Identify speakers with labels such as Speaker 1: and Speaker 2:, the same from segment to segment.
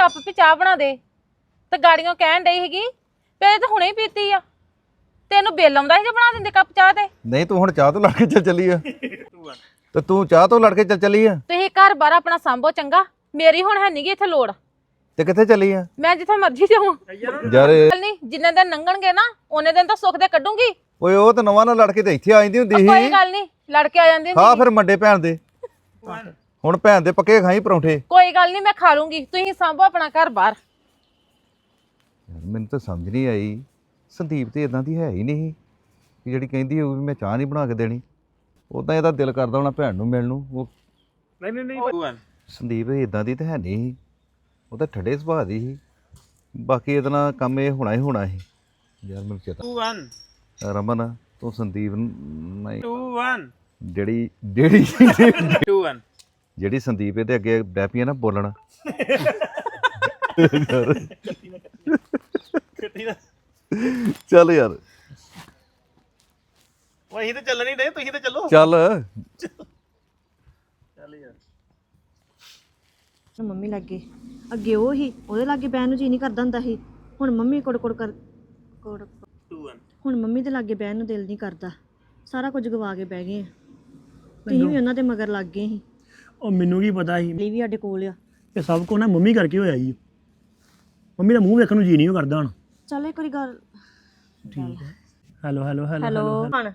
Speaker 1: Cup ਵੀ ਚਾਹ ਬਣਾ ਦੇ ਤੇ ਗਾੜੀਆਂ ਕਹਿਣ ਡਈ ਸੀਗੀ ਤੇ ਇਹ ਤਾਂ ਹੁਣੇ ਹੀ ਪੀਤੀ ਆ ਤੈਨੂੰ ਬਿੱਲ ਆਉਂਦਾ ਸੀ ਜੇ ਬਣਾ ਦਿੰਦੇ ਕੱਪ ਚਾਹ ਤੇ
Speaker 2: ਨਹੀਂ ਤੂੰ ਹੁਣ ਚਾਹ ਤੋਂ ਲੜ ਕੇ ਚੱਲੀ ਆ ਤੇ ਤੂੰ ਚਾਹ ਤੋਂ ਲੜ ਕੇ ਚੱਲੀ ਆ
Speaker 1: ਤੁਸੀਂ ਘਰ ਬਾਰ ਆਪਣਾ ਸੰਭੋ ਚੰਗਾ ਮੇਰੀ ਹੁਣ ਹੈ ਨਹੀਂਗੀ ਇੱਥੇ ਲੋੜ
Speaker 2: ਤੇ ਕਿੱਥੇ ਚੱਲੀ ਆ
Speaker 1: ਮੈਂ ਜਿੱਥੇ ਮਰਜ਼ੀ ਜਾਵਾਂ
Speaker 2: ਯਾਰ
Speaker 1: ਚੱਲ ਨਹੀਂ ਜਿੰਨੇ ਦਿਨ ਲੰਘਣਗੇ ਨਾ ਉਹਨੇ ਦਿਨ ਤਾਂ ਸੁੱਖ ਦੇ ਕੱਢੂੰਗੀ
Speaker 2: ਓਏ ਉਹ ਤਾਂ ਨਵਾਂ ਨਾਲ ਲੜ ਕੇ ਤੇ ਇੱਥੇ ਆ ਜਾਂਦੀ ਹੁੰਦੀ
Speaker 1: ਕੋਈ
Speaker 2: ਸੀ
Speaker 1: ਗੱਲ ਨਹੀਂ ਲੜ ਕੇ ਆ ਜਾਂਦੀ
Speaker 2: ਹਾਂ
Speaker 1: ਹੁੰਦੀ
Speaker 2: ਫਿਰ ਮੰਡੇ ਭੈਣ ਦੇ ਹੁਣ ਭੈਣ ਦੇ ਪੱਕੇ ਖਾਈ ਪਰੌਂਠੇ
Speaker 1: ਕੋਈ ਗੱਲ ਨਹੀਂ ਮੈਂ ਖਾ ਲੂੰਗੀ ਤੁਸੀਂ ਸੰਭੋ ਆਪਣਾ ਘਰ ਬਾਰ
Speaker 2: ਯਾਰ ਮੈਨੂੰ ਤਾਂ ਸਮਝ ਨਹੀਂ ਆਈ ਸੰਦੀਪ ਤੇ ਇਦਾਂ ਦੀ ਹੈ ਹੀ ਨਹੀਂ ਕਿ ਜਿਹੜੀ ਕਹਿੰਦੀ ਹੋਊ ਵੀ ਮੈਂ ਚਾਹ ਨਹੀਂ ਬਣਾ ਕੇ ਦੇਣੀ ਉਦਾਂ ਇਹਦਾ ਦਿਲ ਕਰਦਾ ਹੋਣਾ ਭੈਣ ਨੂੰ ਮਿਲਣ ਨੂੰ ਉਹ
Speaker 3: ਨਹੀਂ
Speaker 2: ਸੰਦੀਪ ਇਦਾਂ ਦੀ ਤਾਂ ਹੈ ਨਹੀਂ ਉਹ ਤਾਂ ਠੱਡੇ ਸੁਭਾਅ ਦੀ ਸੀ ਬਾਕੀ ਇਹਦੇ ਨਾਲ ਕੰਮ ਇਹ ਹੋਣਾ ਹੀ ਹੋਣਾ ਸੀ ਯਾਰ ਮੈਨੂੰ ਚੇਤਾ
Speaker 3: 2 1
Speaker 2: ਰਮਨ ਤੂੰ ਸੰਦੀਪ ਨੂੰ ਨਹੀਂ
Speaker 3: 2 1
Speaker 2: ਜਿਹੜੀ
Speaker 3: 2 1
Speaker 2: ਜਿਹੜੀ ਸੰਦੀਪ ਇਹਦੇ ਅੱਗੇ ਡੈਪੀ ਆ ਨਾ ਬੋਲਣ ਚੱਲ ਯਾਰ
Speaker 3: ਉਹ ਅਸੀਂ ਤੇ ਚੱਲ ਨਹੀਂ ਰਹੇ ਤੁਸੀਂ ਤੇ ਚੱਲੋ
Speaker 2: ਚੱਲ
Speaker 3: ਚੱਲ ਯਾਰ
Speaker 4: ਮੰਮੀ ਲੱਗੇ ਅੱਗੇ ਉਹ ਹੀ ਉਹਦੇ ਲਾਗੇ ਬਹਿਣ ਨੂੰ ਜੀ ਨਹੀਂ ਕਰਦਾ ਹੁੰਦਾ ਸੀ ਹੁਣ ਮੰਮੀ ਕੋੜ
Speaker 3: 2 1
Speaker 4: ਹੁਣ ਮੰਮੀ ਦੇ ਲਾਗੇ ਬਹਿਣ ਨੂੰ ਦਿਲ ਨਹੀਂ ਕਰਦਾ ਸਾਰਾ ਕੁਝ ਗਵਾ ਕੇ ਬਹਿ ਗਏ ਆ ਤੁਸੀਂ ਵੀ ਉਹਨਾਂ ਦੇ ਮਗਰ ਲੱਗ ਗਏ ਸੀ
Speaker 5: ਉਹ ਮੈਨੂੰ ਕੀ ਪਤਾ ਸੀ
Speaker 4: ਲਈ ਵੀ ਸਾਡੇ ਕੋਲ ਆ
Speaker 5: ਇਹ ਸਭ ਕੋ ਨਾ ਮੰਮੀ ਕਰਕੇ ਹੋਇਆ ਜੀ ਮੰਮੀ ਦਾ ਮੂੰਹ ਵੇਖਣ ਨੂੰ ਜੀ ਨਹੀਂ ਕਰਦਾ ਹੁਣ
Speaker 4: ਚੱਲ ਇੱਕ ਵਾਰੀ ਗੱਲ
Speaker 5: ਠੀਕ ਹੈ ਹੈਲੋ ਹੈਲੋ ਹੈਲੋ
Speaker 4: ਹੈਲੋ ਹਣ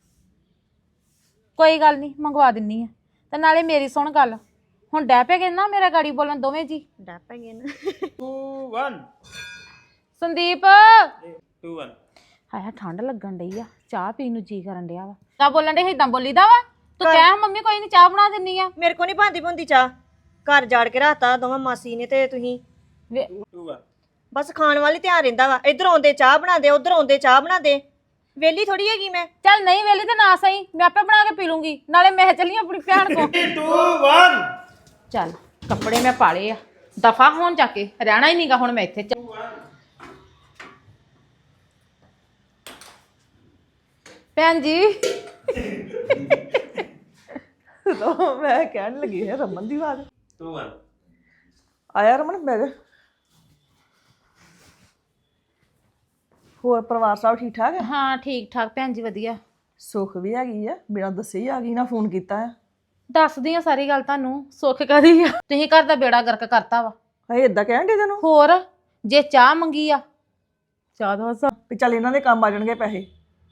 Speaker 1: ਕੋਈ ਗੱਲ ਨਹੀਂ ਮੰਗਵਾ ਦਿੰਨੀ ਆ ਤੇ ਨਾਲੇ ਮੇਰੀ ਸੁਣ ਗੱਲ ਹੁਣ ਡੈ ਪੈ ਗਏ ਨਾ ਮੇਰਾ ਗਾੜੀ ਬੋਲਣ ਦੋਵੇਂ ਜੀ
Speaker 4: ਡੱਪ ਗਏ ਨਾ
Speaker 3: 2 1
Speaker 1: ਸੰਦੀਪ
Speaker 3: 2 1
Speaker 1: ਹਾਏ ਠੰਡ ਲੱਗਣ ਡਈ ਆ ਚਾਹ ਪੀਣ ਨੂੰ ਜੀ ਕਰਨ ਡਿਆ ਵਾ ਕਾ ਬੋਲਣ ਡੇ ਇਦਾਂ ਬੋਲੀਦਾ ਵਾ ਤੂੰ ਕਹਿ ਮੰਮੀ ਕੋਈ ਨਹੀਂ ਚਾਹ ਬਣਾ ਦਿੰਨੀ ਆ
Speaker 4: ਮੇਰੇ ਕੋ ਨਹੀਂ ਭਾਂਦੀ ਭੁੰਦੀ ਚਾਹ ਘਰ ਜਾੜ ਕੇ ਰਾਤਾ ਦੋਵਾਂ ਮਾਸੀ ਨੇ ਤੇ ਤੁਸੀਂ
Speaker 3: 2 1
Speaker 4: ਬਸ ਖਾਣ ਵਾਲੀ ਧਿਆਨ ਰਹਿੰਦਾ ਵਾ ਇੱਧਰ ਆਉਂਦੇ ਚਾਹ ਬਣਾ ਦੇ ਉੱਧਰ ਆਉਂਦੇ ਚਾਹ ਬਣਾ ਦੇ ਵੇਲੀ ਥੋੜੀ ਹੈਗੀ ਮੈਂ
Speaker 1: ਚੱਲ ਨਹੀਂ ਵੇਲੀ ਤੇ ਨਾ ਸਹੀ ਮੈਂ ਆਪੇ ਬਣਾ ਕੇ ਪੀ ਲੂੰਗੀ ਨਾਲੇ ਮੈਂ ਚੱਲੀ ਆਪਣੀ ਭੈਣ ਕੋ
Speaker 3: 2 1
Speaker 1: ਚੱਲ ਕੱਪੜੇ ਮੈਂ ਪਾਲੇ ਆ ਦਫਾ ਹੋਣ ਜਾ ਕੇ ਰਹਿਣਾ ਹੀ ਨਹੀਂਗਾ ਹੁਣ ਮੈਂ ਇੱਥੇ ਭੈਣ ਜੀ
Speaker 6: ਮੈਂ ਕਹਿਣ ਲੱਗੀ ਹੈ ਰਮਨ ਦੀ ਆਵਾਜ਼
Speaker 3: 2 1
Speaker 6: ਆਇਆ ਰਮਨ ਮੇਰੇ ਹੋਰ ਪਰਿਵਾਰ ਸਭ ਠੀਕ ਠਾਕ ਹੈ
Speaker 1: ਹਾਂ ਠੀਕ ਠਾਕ ਭੈਣ ਜੀ ਵਧੀਆ
Speaker 6: ਸੁੱਖ ਵੀ ਹੈਗੀ ਆ ਬਿਨਾਂ ਦੱਸੇ ਹੀ ਆ ਗਈ ਨਾ ਫੋਨ ਕੀਤਾ ਹੈ
Speaker 1: ਦੱਸਦੀ ਆ ਸਾਰੀ ਗੱਲ ਤੁਹਾਨੂੰ ਸੁੱਖ ਕਰੀ ਆ ਤੁਸੀਂ ਘਰ ਦਾ ਬੇੜਾ ਗਰਕ ਕਰਤਾ ਵਾ
Speaker 6: ਹਏ ਇਦਾਂ ਕਹਿਣ ਦੇ ਤੈਨੂੰ
Speaker 1: ਹੋਰ ਜੇ ਚਾਹ ਮੰਗੀ ਆ
Speaker 6: ਚਾਹ ਦਾ ਹਸਾ ਵੀ ਚੱਲ ਇਹਨਾਂ ਦੇ ਕੰਮ ਆ ਜਾਣਗੇ ਪੈਸੇ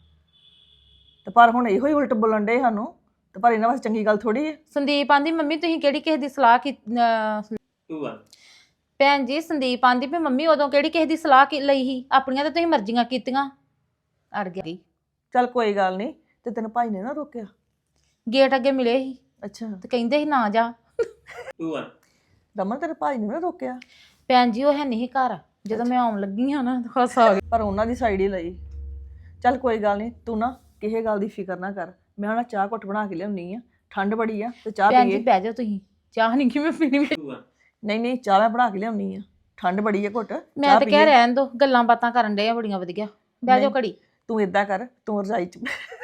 Speaker 6: ਤੇ ਪਰ ਹੁਣ ਇਹੋ ਹੀ ਉਲਟ ਬੋਲਣ ਦੇ ਸਾਨੂੰ ਤੇ ਪਰ ਇਹਨਾਂ ਵਾਸਤੇ ਚੰਗੀ ਗੱਲ ਥੋੜੀ ਹੈ
Speaker 1: ਸੰਦੀਪ ਆਂਦੀ ਮੰਮੀ ਤੁਸੀਂ ਕਿਹੜੀ ਕਿਸੇ ਦੀ ਸਲਾਹ ਕੀ
Speaker 3: 2 1
Speaker 1: ਭੈਣ ਜੀ ਸੰਦੀਪ ਆਂਦੀ ਵੀ ਮੰਮੀ ਉਦੋਂ ਕਿਹੜੀ ਕਿਸੇ ਦੀ ਸਲਾਹ ਲਈ ਸੀ ਆਪਣੀਆਂ ਤਾਂ ਤੁਸੀਂ ਮਰਜ਼ੀਆਂ ਕੀਤੀਆਂ ਅੜ ਗਈ
Speaker 6: ਚੱਲ ਕੋਈ ਗੱਲ ਨਹੀਂ ਤੇ ਤੈਨੂੰ ਭਾਈ ਨੇ ਨਾ ਰੋਕਿਆ
Speaker 1: ਗੇਟ ਅੱਗੇ ਮਿਲੇ ਸੀ
Speaker 6: ਅੱਛਾ
Speaker 1: ਤੇ ਕਹਿੰਦੇ ਸੀ ਨਾ ਜਾ
Speaker 3: 2 1
Speaker 6: ਰਮਨ ਤੇਰੇ ਭਾਈ ਨੇ ਨਾ ਰੋਕਿਆ
Speaker 1: ਭੈਣ ਜੀ ਉਹ ਹੈ ਨਹੀਂ ਘਰ ਜਦੋਂ ਮੈਂ ਆਉਣ ਲੱਗੀ ਹਾਂ ਨਾ ਖਾਸ ਆ ਗਿਆ
Speaker 6: ਪਰ ਉਹਨਾਂ ਦੀ ਸਾਈਡ ਹੀ ਲਈ ਚੱਲ ਕੋਈ ਗੱਲ ਨਹੀਂ ਤੂੰ ਨਾ ਕਿਸੇ ਗੱਲ ਦੀ ਫਿਕਰ ਨਾ ਕਰ ਮੈਂ ਹੁਣ ਚਾਹ ਘੁੱਟ ਬਣਾ ਕੇ ਲਿਆਉਣੀ ਆ ਠੰਡ ਬੜੀ ਆ ਤੇ ਚਾਹ
Speaker 1: ਭੈਣ ਜੀ
Speaker 6: ਪੀਏ
Speaker 1: ਬਹਿ ਜਾਓ ਤੁਸੀਂ ਚਾਹ ਨਹੀਂ ਕਿਵੇਂ ਪੀਣੀ
Speaker 3: 2 1
Speaker 6: ਨਹੀਂ ਨਹੀਂ ਚਾਹ ਮੈਂ ਬਣਾ ਕੇ ਲਿਆਉਣੀ ਆ ਠੰਡ ਬੜੀ ਆ ਘੁੱਟ
Speaker 1: ਮੈਂ
Speaker 6: ਚਾਹ
Speaker 1: ਤਾਂ ਕਹਿ
Speaker 6: ਪੀਏ।
Speaker 1: ਰਹਿਣ ਦੋ ਗੱਲਾਂ ਬਾਤਾਂ ਕਰਨ ਡੇ ਆ ਬੜੀਆਂ ਵਧੀਆ ਬਹਿ ਜਾਓ ਘੜੀ
Speaker 6: ਤੂੰ ਇਦਾਂ ਕਰ ਤੂੰ ਰਜਾਈ ਚ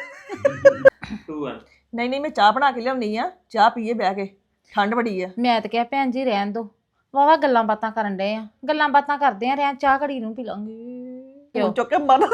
Speaker 3: 2 1
Speaker 6: ਨਹੀਂ ਨਹੀਂ ਮੈਂ ਚਾਹ ਬਣਾ ਕੇ ਲਿਆਉਣੀ ਆ ਚਾਹ ਪੀਏ ਬਹਿ ਕੇ ਠੰਡ ਬੜੀ ਆ
Speaker 1: ਮੈਂ ਤਾਂ ਕਿਹਾ ਭੈਣ ਜੀ ਰਹਿਣ ਦੋ ਵਾਵਾ ਗੱਲਾਂ ਬਾਤਾਂ ਕਰਨ ਡੇ ਆ ਗੱਲਾਂ ਬਾਤਾਂ ਕਰਦੇ ਆ ਰਹਿਣ ਚਾਹ ਘੜੀ ਨੂੰ ਪੀ ਲਾਂਗੇ
Speaker 6: ਹੁਣ ਚੁੱਕ ਕੇ ਮਰ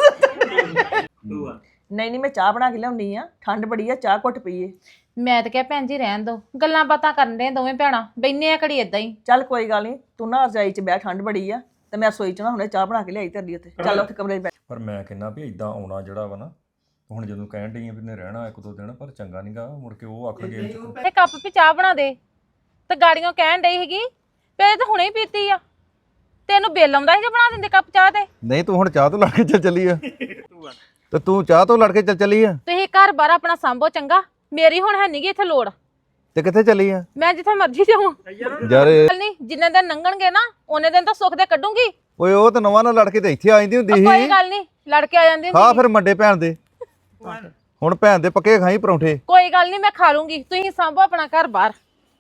Speaker 3: 2 1
Speaker 6: ਨਹੀਂ ਨਹੀਂ ਮੈਂ ਚਾਹ ਬਣਾ ਕੇ ਲਿਆਉਣੀ ਆ ਠੰਡ ਬੜੀ ਆ ਚਾਹ ਘੁੱਟ ਪੀਏ
Speaker 1: ਮੈਂ ਤਾਂ ਕਿਹਾ ਭੈਣ ਜੀ ਰਹਿਣ ਦੋ ਗੱਲਾਂ ਬਾਤਾਂ ਕਰਨ ਡੇ ਦੋਵੇਂ ਭੈਣਾਂ ਬੈਨੇ ਆ ਘੜੀ ਏਦਾਂ ਹੀ
Speaker 6: ਚੱਲ ਕੋਈ ਗੱਲ ਨਹੀਂ ਤੂੰ ਨਾ ਰਜਾਈ ਚ ਬਹਿ ਠੰਡ ਬੜੀ ਆ ਤੇ ਮੈਂ ਰਸੋਈ ਚ ਨਾ ਹੁਣੇ ਚਾਹ ਬਣਾ ਕੇ ਲਿਆਈ ਤੇਰੇ ਲਈ ਉੱਥੇ ਚੱਲ ਉੱਥੇ ਕਮਰੇ 'ਚ ਬੈਠ
Speaker 7: ਪਰ ਮੈਂ ਕਹਿੰਦਾ ਵੀ ਇਦਾਂ ਆਉਣਾ ਜਿਹੜਾ ਵਾ ਨਾ ਹੁਣ ਜਦੋਂ ਕਹਿਣ ਡਈ ਆ ਵੀ ਨੇ ਰਹਿਣਾ 1-2 ਦਿਨ ਪਰ ਚੰਗਾ ਨਹੀਂਗਾ ਮੁੜ ਕੇ ਉਹ ਆਖਣਗੇ
Speaker 1: ਤੇ ਕੱਪ ਵੀ ਚਾਹ ਬਣਾ ਦੇ ਤੇ ਗਾੜੀਆਂ ਕਹਿਣ ਡਈ ਸੀਗੀ ਪੇ ਤਾਂ ਹੁਣੇ ਹੀ ਪੀਤੀ ਆ ਤੈਨੂੰ ਬਿੱਲ ਆਉਂਦਾ ਸੀ ਜੇ ਬਣਾ ਦਿੰਦੇ ਕੱਪ ਚਾਹ ਤੇ
Speaker 2: ਨਹੀਂ ਤੂੰ ਹੁਣ ਚਾਹ ਤੋਂ ਲੜ ਕੇ ਚੱਲੀ ਆ
Speaker 3: 2 1
Speaker 2: ਤੇ ਤੂੰ ਚਾਹ ਤੋਂ ਲੜ ਕੇ ਚੱਲੀ ਆ
Speaker 1: ਤੁਸੀਂ ਘਰ ਬਾਰ ਆਪਣਾ ਸੰਭੋ ਚੰਗਾ ਮੇਰੀ ਹੁਣ ਹੈ ਨਹੀਂਗੀ ਇੱਥੇ ਲੋੜ
Speaker 2: ਤੇ ਕਿੱਥੇ ਚੱਲੀ ਆ
Speaker 1: ਮੈਂ ਜਿੱਥੇ ਮਰਜ਼ੀ ਜਾਵਾਂ
Speaker 2: ਯਾਰ
Speaker 1: ਚੱਲ ਨਹੀਂ ਜਿੰਨੇ ਦਿਨ ਲੰਘਣਗੇ ਨਾ ਉਹਨੇ ਦਿਨ ਤਾਂ ਸੁੱਖ ਦੇ ਕੱਢੂੰਗੀ
Speaker 2: ਓਏ ਉਹ ਤਾਂ ਨਵਾਂ ਨਾਲ ਲੜ ਕੇ ਤੇ ਇੱਥੇ ਆ ਜਾਂਦੀ ਹੁੰਦੀ
Speaker 1: ਕੋਈ
Speaker 2: ਸੀ
Speaker 1: ਗੱਲ ਨਹੀਂ ਲੜ ਕੇ ਆ ਜਾਂਦੀ
Speaker 2: ਹਾਂ
Speaker 1: ਹੁੰਦੀ
Speaker 2: ਫਿਰ ਮੰਡੇ ਭੈਣ ਦੇ ਹੁਣ ਭੈਣ ਦੇ ਪੱਕੇ ਖਾਈ ਪਰੌਂਠੇ
Speaker 1: ਕੋਈ ਗੱਲ ਨਹੀਂ ਮੈਂ ਖਾ ਲੂੰਗੀ ਤੁਸੀਂ ਸੰਭੋ ਆਪਣਾ ਘਰ ਬਾਰ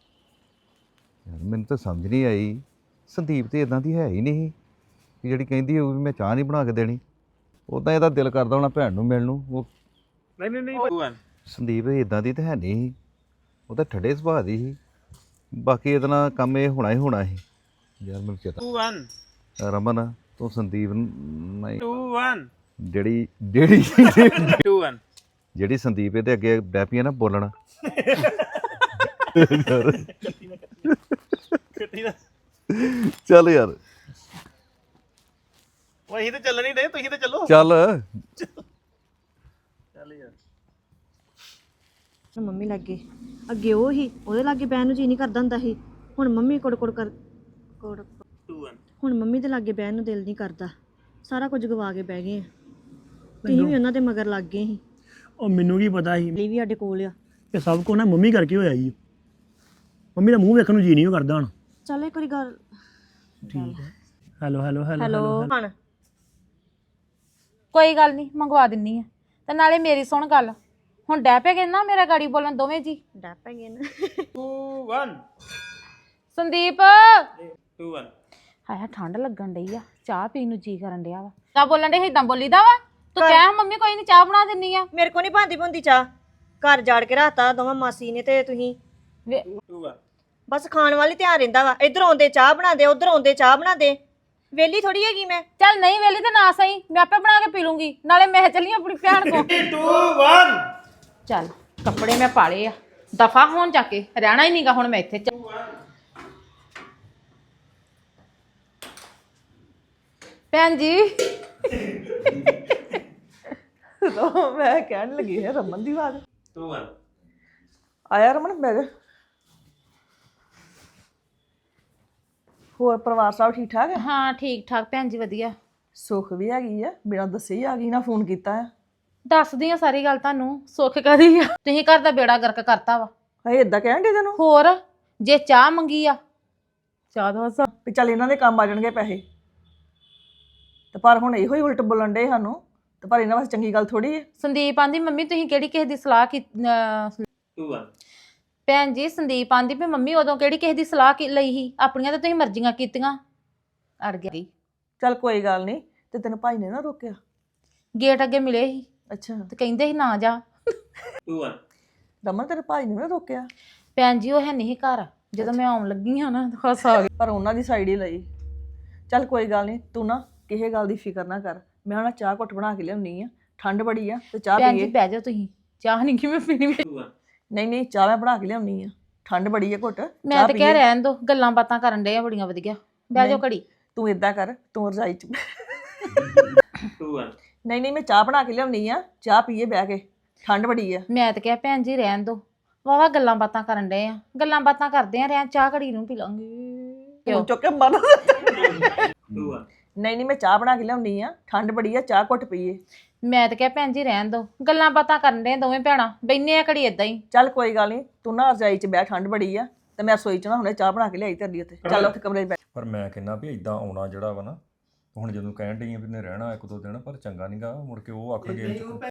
Speaker 2: ਯਾਰ ਮੈਨੂੰ ਤਾਂ ਸਮਝ ਨਹੀਂ ਆਈ ਸੰਦੀਪ ਤੇ ਇਦਾਂ ਦੀ ਹੈ ਹੀ ਨਹੀਂ ਕਿ ਜਿਹੜੀ ਕਹਿੰਦੀ ਹੋਊ ਵੀ ਮੈਂ ਚਾਹ ਨਹੀਂ ਬਣਾ ਕੇ ਦੇਣੀ ਉਦਾਂ ਇਹਦਾ ਦਿਲ ਕਰਦਾ ਹੋਣਾ ਭੈਣ ਨੂੰ ਮਿਲਣ ਨੂੰ ਉਹ
Speaker 3: ਨਹੀਂ 2 1
Speaker 2: ਸੰਦੀਪ ਇਦਾਂ ਦੀ ਤਾਂ ਹੈ ਨਹੀਂ ਉਹ ਤਾਂ ਠੱਡੇ ਸੁਭਾਅ ਦੀ ਸੀ ਬਾਕੀ ਇਹਦੇ ਨਾਲ ਕੰਮ ਇਹ ਹੋਣਾ ਹੀ ਹੋਣਾ ਸੀ ਯਾਰ ਮੈਨੂੰ ਚੇਤਾ
Speaker 3: 2 1
Speaker 2: ਰਮਨ ਤੂੰ ਸੰਦੀਪ ਨੂੰ ਨਹੀਂ
Speaker 3: 2 1
Speaker 2: ਜਿਹੜੀ ਜਿਹੜੀ
Speaker 3: 2 1
Speaker 2: ਜਿਹੜੀ ਸੰਦੀਪ ਇਹਦੇ ਅੱਗੇ ਡੈਪੀ ਆ ਨਾ ਬੋਲਣ ਚੱਲ ਯਾਰ
Speaker 8: ਉਹ ਅਸੀਂ ਤੇ ਚੱਲ ਨਹੀਂ ਰਹੇ ਤੁਸੀਂ ਤੇ ਚੱਲੋ
Speaker 2: ਚੱਲ
Speaker 8: ਚੱਲ ਯਾਰ
Speaker 4: ਮੰਮੀ ਲੱਗੇ ਅੱਗੇ ਉਹ ਹੀ ਉਹਦੇ ਲਾਗੇ ਬਹਿਣ ਨੂੰ ਜੀ ਨਹੀਂ ਕਰਦਾ ਹੁੰਦਾ ਸੀ ਹੁਣ ਮੰਮੀ ਕੋੜ ਕੋੜ
Speaker 3: 2 1
Speaker 4: ਹੁਣ ਮੰਮੀ ਦੇ ਲਾਗੇ ਬਹਿਣ ਨੂੰ ਦਿਲ ਨਹੀਂ ਕਰਦਾ ਸਾਰਾ ਕੁਝ ਗਵਾ ਕੇ ਬਹਿ ਗਏ ਆ ਤੁਸੀਂ ਵੀ ਉਹਨਾਂ ਦੇ ਮਗਰ ਲੱਗ ਗਏ ਸੀ
Speaker 5: ਉਹ ਮੈਨੂੰ ਕੀ ਪਤਾ ਸੀ
Speaker 4: ਲਈ ਵੀ ਸਾਡੇ ਕੋਲ ਆ
Speaker 5: ਇਹ ਸਭ ਕੁਝ ਨਾ ਮੰਮੀ ਕਰਕੇ ਹੋਇਆ ਜੀ ਮੰਮੀ ਦਾ ਮੂੰਹ ਵੇਖਣ ਨੂੰ ਜੀ ਨਹੀਂ ਕਰਦਾ ਹੁਣ
Speaker 4: ਚੱਲ ਇੱਕ ਵਾਰੀ ਗੱਲ
Speaker 5: ਹੈਲੋ ਹੈਲੋ ਹੈਲੋ
Speaker 4: ਹੈਲੋ ਹਣ
Speaker 1: ਕੋਈ ਗੱਲ ਨਹੀਂ ਮੰਗਵਾ ਦਿੰਨੀ ਆ ਤੇ ਨਾਲੇ ਮੇਰੀ ਸੁਣ ਗੱਲ ਹੁਣ ਡੈ ਪੈ ਗਏ ਨਾ ਮੇਰਾ ਗਾੜੀ ਬੋਲਣ ਦੋਵੇਂ ਜੀ
Speaker 4: ਡੱਪ ਗਏ ਨਾ
Speaker 3: 2 1
Speaker 1: ਸੰਦੀਪ
Speaker 3: 2 1
Speaker 1: ਹਾਏ ਠੰਡ ਲੱਗਣ ਡਈ ਆ ਚਾਹ ਪੀਣ ਨੂੰ ਜੀ ਕਰਨ ਡਿਆ ਵਾ ਤਾਂ ਬੋਲਣ ਡੇ ਇਦਾਂ ਬੋਲੀਦਾ ਵਾ ਤੂੰ ਕਹਿ ਮੰਮੀ ਕੋਈ ਨਹੀਂ ਚਾਹ ਬਣਾ ਦਿੰਨੀ ਆ
Speaker 4: ਮੇਰੇ ਕੋ ਨਹੀਂ ਭਾਂਦੀ ਭੁੰਦੀ ਚਾਹ ਘਰ ਜਾੜ ਕੇ ਰਾਤਾ ਦੋਵਾਂ ਮਾਸੀ ਨੇ ਤੇ ਤੁਸੀਂ
Speaker 3: 2 1
Speaker 4: ਬਸ ਖਾਣ ਵਾਲੀ ਧਿਆਨ ਰਹਿੰਦਾ ਵਾ ਇੱਧਰ ਆਉਂਦੇ ਚਾਹ ਬਣਾ ਦੇ ਉੱਧਰ ਆਉਂਦੇ ਚਾਹ ਬਣਾ ਦੇ ਵੇਲੀ ਥੋੜੀ ਹੈਗੀ ਮੈਂ
Speaker 1: ਚੱਲ ਨਹੀਂ ਵੇਲੀ ਤੇ ਨਾ ਸਹੀ ਮੈਂ ਆਪੇ ਬਣਾ ਕੇ ਪੀ ਲੂੰਗੀ ਨਾਲੇ ਮੈਂ ਚੱਲੀ ਆਪਣੀ ਭੈਣ ਕੋ
Speaker 3: 2 1
Speaker 1: ਚੱਲ ਕੱਪੜੇ ਮੈਂ ਪਾਲੇ ਆ ਦਫਾ ਹੋਣ ਜਾ ਕੇ ਰਹਿਣਾ ਹੀ ਨਹੀਂਗਾ ਹੁਣ ਮੈਂ ਇੱਥੇ ਭੈਣ ਜੀ
Speaker 6: ਮੈਂ ਕਹਿਣ ਲੱਗੀ ਹੈ ਰਮਨ ਦੀ ਆਵਾਜ਼
Speaker 3: 2 1
Speaker 6: ਆਇਆ ਰਮਨ ਬਹਿ ਜਾ ਹੋਰ ਪਰਿਵਾਰ ਸਭ ਠੀਕ ਠਾਕ ਹੈ
Speaker 1: ਹਾਂ ਠੀਕ ਠਾਕ ਭੈਣ ਜੀ ਵਧੀਆ
Speaker 6: ਸੁੱਖ ਵੀ ਹੈਗੀ ਆ ਬਿਨਾਂ ਦੱਸੇ ਹੀ ਆ ਗਈ ਨਾ ਫੋਨ ਕੀਤਾ ਆ
Speaker 1: ਦੱਸਦੀ ਆ ਸਾਰੀ ਗੱਲ ਤੁਹਾਨੂੰ ਸੁੱਖ ਕਰੀ ਆ ਤੁਸੀਂ ਘਰ ਦਾ ਬੇੜਾ ਗਰਕ ਕਰਤਾ ਵਾ
Speaker 6: ਹਏ ਇਦਾਂ ਕਹਿਣ ਦੇ ਤੈਨੂੰ
Speaker 1: ਹੋਰ ਜੇ ਚਾਹ ਮੰਗੀ ਆ ਚਾਹ ਦਾ ਹਸਾ
Speaker 6: ਵੀ ਚੱਲ ਇਹਨਾਂ ਦੇ ਕੰਮ ਆ ਜਾਣਗੇ ਪੈਸੇ ਤੇ ਪਰ ਹੁਣ ਇਹੋ ਹੀ ਉਲਟ ਬੋਲਣ ਡੇ ਸਾਨੂੰ ਤੇ ਪਰ ਇਹਨਾਂ ਵਾਸਤੇ ਚੰਗੀ ਗੱਲ ਥੋੜੀ ਹੈ
Speaker 1: ਸੰਦੀਪ ਆਂਦੀ ਮੰਮੀ ਤੁਸੀਂ ਕਿਹੜੀ ਕਿਸੇ ਦੀ ਸਲਾਹ ਕੀ
Speaker 3: 2 1
Speaker 1: ਭੈਣ ਜੀ ਸੰਦੀਪ ਆਂਦੀ ਵੀ ਮੰਮੀ ਉਦੋਂ ਕਿਹੜੀ ਕਿਸੇ ਦੀ ਸਲਾਹ ਲਈ ਸੀ ਆਪਣੀਆਂ ਤਾਂ ਤੁਸੀਂ ਮਰਜ਼ੀਆਂ ਕੀਤੀਆਂ ਅੜ ਗਈ
Speaker 6: ਚੱਲ ਕੋਈ ਗੱਲ ਨਹੀਂ ਤੇ ਤੈਨੂੰ ਭਾਈ ਨੇ ਨਾ ਰੋਕਿਆ
Speaker 1: ਗੇਟ ਅੱਗੇ ਮਿਲੇ ਸੀ
Speaker 6: ਅੱਛਾ
Speaker 1: ਤੇ ਕਹਿੰਦੇ ਸੀ ਨਾ ਜਾ
Speaker 3: 2 1
Speaker 6: ਰਮਨ ਤੇਰੇ ਭਾਈ ਨੇ ਨਾ ਰੋਕਿਆ
Speaker 1: ਭੈਣ ਜੀ ਉਹ ਹੈ ਨਹੀਂ ਘਰ ਜਦੋਂ ਮੈਂ ਆਉਣ ਲੱਗੀ ਹਾਂ ਨਾ ਹੱਸ ਆ ਗਈ
Speaker 6: ਪਰ ਉਹਨਾਂ ਦੀ ਸਾਈਡ ਹੀ ਲਈ ਚੱਲ ਕੋਈ ਗੱਲ ਨਹੀਂ ਤੂੰ ਨਾ ਕਿਸੇ ਗੱਲ ਦੀ ਫਿਕਰ ਨਾ ਕਰ ਮੈਂ ਹੁਣ ਚਾਹ ਘੁੱਟ ਬਣਾ ਕੇ ਲਿਆਉਣੀ ਆ ਠੰਡ ਬੜੀ ਆ ਤੇ ਚਾਹ
Speaker 1: ਭੈਣ ਜੀ
Speaker 6: ਪੀਏ
Speaker 1: ਬਹਿ ਜਾਓ ਤੁਸੀਂ ਚਾਹ ਨਹੀਂ ਕਿਵੇਂ ਪੀਣੀ
Speaker 3: 2 1
Speaker 6: ਨਹੀਂ ਚਾਹ ਮੈਂ ਬਣਾ ਕੇ ਲਿਆਉਣੀ ਆ ਠੰਡ ਬੜੀ ਆ ਘੁੱਟ
Speaker 1: ਮੈਂ
Speaker 6: ਚਾਹ
Speaker 1: ਤਾਂ ਕਹਿ
Speaker 6: ਪੀਏ।
Speaker 1: ਰਹਿਣ ਦੋ ਗੱਲਾਂ ਬਾਤਾਂ ਕਰਨ ਡੇ ਆ ਬੜੀਆਂ ਵਧੀਆ ਬਹਿ ਜਾਓ ਘੜੀ
Speaker 6: ਤੂੰ ਇਦਾਂ ਕਰ ਤੂੰ ਰਜਾਈ ਚ
Speaker 3: 2 1
Speaker 6: ਨਹੀਂ ਮੈਂ ਚਾਹ ਬਣਾ ਕੇ ਲਿਆਉਣੀ ਆ ਚਾਹ ਪੀਏ ਬਹਿ ਕੇ ਠੰਡ ਬੜੀ ਆ
Speaker 1: ਮੈਂ ਤਾਂ ਕਿਹਾ ਭੈਣ ਜੀ ਰਹਿਣ ਦੋ ਵਾਵਾ ਗੱਲਾਂ ਬਾਤਾਂ ਕਰਨ ਡੇ ਆ ਗੱਲਾਂ ਬਾਤਾਂ ਕਰਦੇ ਆ ਰਹਿਣ ਚਾਹ ਘੜੀ ਨੂੰ ਪੀ ਲਾਂਗੇ
Speaker 6: ਤੂੰ ਚੁੱਕ ਕੇ ਮਰ
Speaker 3: 2 1
Speaker 6: ਨਹੀਂ ਮੈਂ ਚਾਹ ਬਣਾ ਕੇ ਲਿਆਉਣੀ ਆ ਠੰਡ ਬੜੀ ਆ ਚਾਹ ਘੁੱਟ ਪੀਏ
Speaker 1: ਮੈਂ ਤਾਂ ਕਿਹਾ ਭੈਣ ਜੀ ਰਹਿਣ ਦੋ ਗੱਲਾਂ ਬਾਤਾਂ ਕਰਨ ਡੇ ਦੋਵੇਂ ਭੈਣਾਂ ਬੈਨੇ ਆ ਘੜੀ ਏਦਾਂ ਹੀ
Speaker 6: ਚੱਲ ਕੋਈ ਗੱਲ ਨਹੀਂ ਤੂੰ ਨਾ ਰਜਾਈ ਚ ਬਹਿ ਠੰਡ ਬੜੀ ਆ ਤੇ ਮੈਂ ਰਸੋਈ ਚ ਨਾ ਹੁਣੇ ਚਾਹ ਬਣਾ ਕੇ ਲਿਆਈ ਤੇਰੀ ਉੱਤੇ ਚੱਲ ਉੱਥੇ ਕਮਰੇ 'ਚ ਬੈਠ
Speaker 7: ਪਰ ਮੈਂ ਕਹਿੰਦਾ ਵੀ ਇਦਾਂ ਆਉਣਾ ਜਿਹੜਾ ਵਾ ਨਾ ਹੁਣ ਜਦੋਂ ਕਹਿਣ ਡਈ ਆ ਵੀ ਨੇ ਰਹਿਣਾ 1-2 ਦਿਨ ਪਰ ਚੰਗਾ ਨਹੀਂਗਾ ਮੁੜ ਕੇ ਉਹ ਆਖਣਗੇ